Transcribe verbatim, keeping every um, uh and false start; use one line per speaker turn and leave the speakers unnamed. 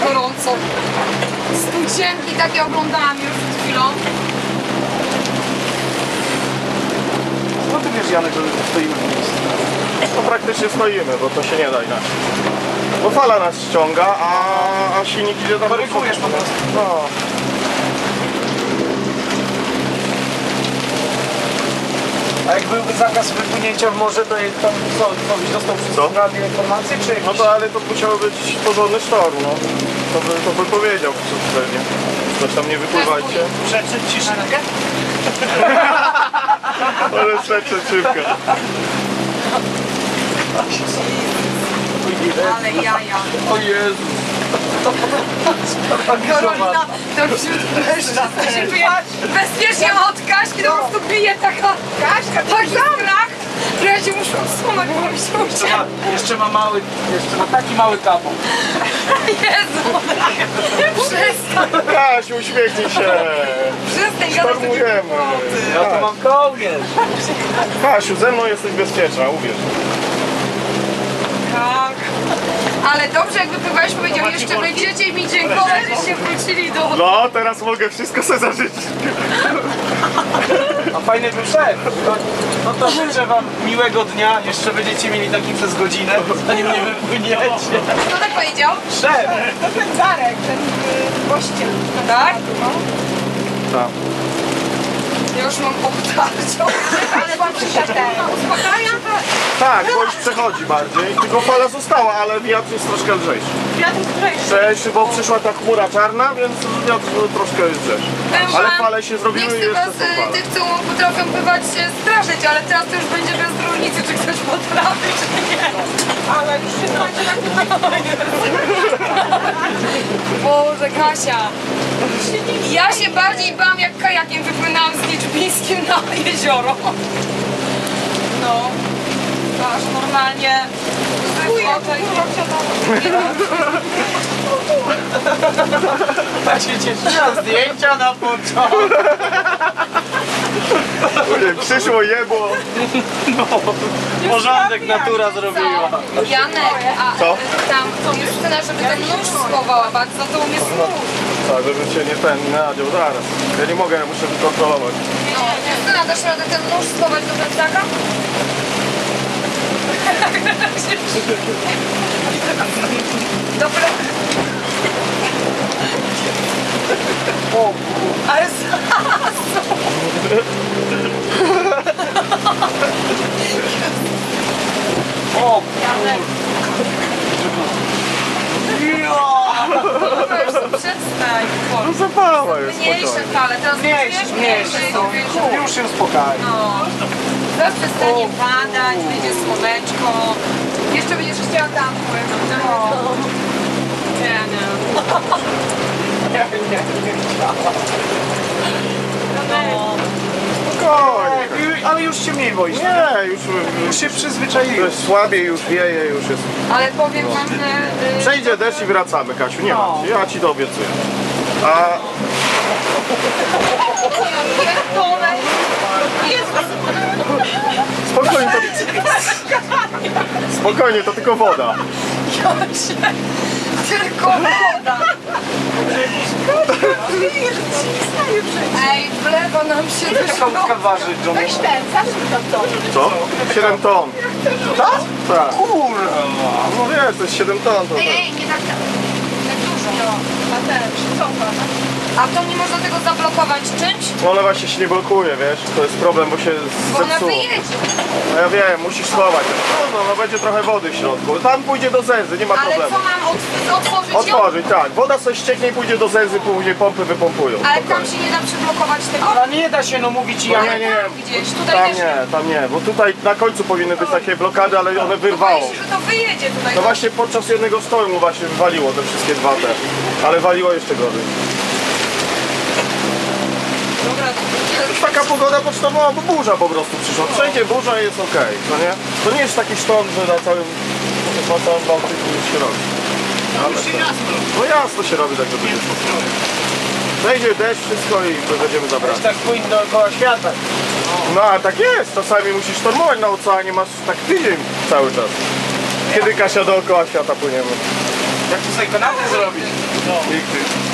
gorąco. Studzienki takie oglądałam już przed chwilą.
No ty wiesz, Janek, że stoimy w miejscu.
No praktycznie stoimy, bo to się nie da inaczej. Bo fala nas ściąga, a, a silnik idzie tam...
Korygujesz po prostu.
No.
A jak byłby zakaz wypłynięcia w morze, to tam co, co byś dostał przez
Co?
radio informację, czy jakieś...
No to ale to musiał być porządny sztorm, no. To by, to by powiedział pewnie. Coś tam nie wypływajcie.
Przeczyć ci szybkę?
Ale trzecie szybkę.
Ale jaja.
O Jezu.
Karolina, to wśród mężczyzn się czuje bezpiecznie od Kaśki, to po prostu bije taka Kaśka, tak strach, że ja się muszę odsunąć, bo mi się ucieka.
Jeszcze ma mały, jeszcze ma taki mały kapą.
Jezu, przestań,
Kasiu, uśmiechnij się.
przestań gadać takie
Sztormujemy.
głupoty.
Ja to mam kołnierz.
Kasiu, ze mną jesteś bezpieczna, uwierz.
Tak. Ale dobrze, jak wypływałeś, powiedział, jeszcze będziecie mi dziękować, że się wrócili do...
No, teraz mogę wszystko sobie zażyczyć.
A fajny był szef. No, no to życzę wam miłego dnia. Jeszcze będziecie mieli taki przez godzinę, zanim nie wypłyniecie.
Kto tak powiedział?
Szef!
To ten Darek, ten gościem. Tak?
Tak.
Ja już mam potarcią. Ale wam się ten uspokaja?
Tak, bo już przechodzi bardziej. Tylko fala została, ale wiatr jest troszkę lżejszy.
Wiatr lżejszy.
Lżejszy, bo przyszła ta chmura czarna, więc wiatr troszkę jest lżejszy. Ale fale się
Nie
zrobiły i
chcę
jeszcze
was,
są
y,
fale.
tych, co potrafią pływać, się straszyć, ale teraz to już będzie bez różnicy, czy ktoś potrafi, czy nie. Ale już się znacie na Boże, Kasia. Ja się bardziej bałam, jak kajakiem wypłynęłam z Liczbińskim na jezioro. No. To aż normalnie...
Tak się cieszyła, zdjęcia na początku.
Ojej, przyszło jebło.
Porządek natura zrobiła.
Janek, a
Co?
tam Justyna, żeby ten nóż schowała, bardzo to umie snóż.
Tak, żeby cię nie ten, nie nadział, zaraz. Ja nie mogę, ja muszę wykontrolować.
No, Justyna, dasz radę ten nóż schować do plecaka? Do plecaka.
O,
Ale zaraz!
o,
Janek,
ja.
już przestań.
No zapała już
Mniejsze
spokojnie.
fale, teraz
Mniejsze,
wiesz,
mniejsze są.
mniejsze.
Już się uspokaj.
No, zaraz przestanie padać, będzie słoneczko. Jeszcze będziesz chciała tam płynąć. No. Nie, nie.
Nie, nie, nie chciałam.
No.
Spokojnie.
O, ale już się mniej boisz.
Nie, już,
Już się
już
przyzwyczaiłeś.
jest słabiej, już wieje, już jest...
Ale powiem wam, że... y,
Przejdzie deszcz i wracamy, Kasiu, nie
No.
ma. Ja ci to obiecuję. A
Pierdolę. Jezus.
spokojnie, to... Spokojnie, to tylko woda.
Jocie. Tylko woda. Ej, w lewo nam się
Taka
wyszło.
łódka waży, John.
Weź ten, zacznij tam to.
Co? siedem ton.
Tak?
Tak.
Kurwa.
No wiesz, to jest siedem ton. To
Ej, ej, nie tak, tak dużo. A ten, przycofa. A to nie można tego zablokować czymś?
No ona właśnie się nie blokuje, wiesz? To jest problem, bo się
Bo ona
zepsuło.
wyjedzie.
No ja wiem, musisz schować. No, no będzie trochę wody w środku. Tam pójdzie do zęzy, nie ma
Ale
problemu.
co mam od- otworzyć ją?
Otworzyć, tak. Woda sobie ścieknie i pójdzie do zęzy, później pompy wypompują.
Ale tam
Spokojnie.
się nie da przyblokować tego?
Ale nie da się no mówić
No
ja.
nie, nie,
Tam gdzieś, tutaj
Tam
też
nie, tam nie, bo tutaj na końcu powinny być takie blokady, ale one wyrwało.
Boję się, że to wyjedzie tutaj.
No właśnie podczas jednego sztormu właśnie wywaliło te wszystkie dwa te, ale waliło jeszcze gorzej.
Dobra,
Już taka pogoda pocztowa, bo burza po prostu przyszła. Wszędzie burza i jest okej, no nie? To nie jest taki sztorm, że na całym, na całym Bałtyku już się robi. Ale to, no jasno się robi, tak to będzie. Wejdzie deszcz, wszystko i to będziemy zabrać.
Tak płyń dookoła świata.
No a tak jest, czasami musisz sztormować na oceanie, masz tak tydzień cały czas. Kiedy Kasia dookoła świata płyniemy?
Jak tutaj kanapę zrobić?
Nigdy.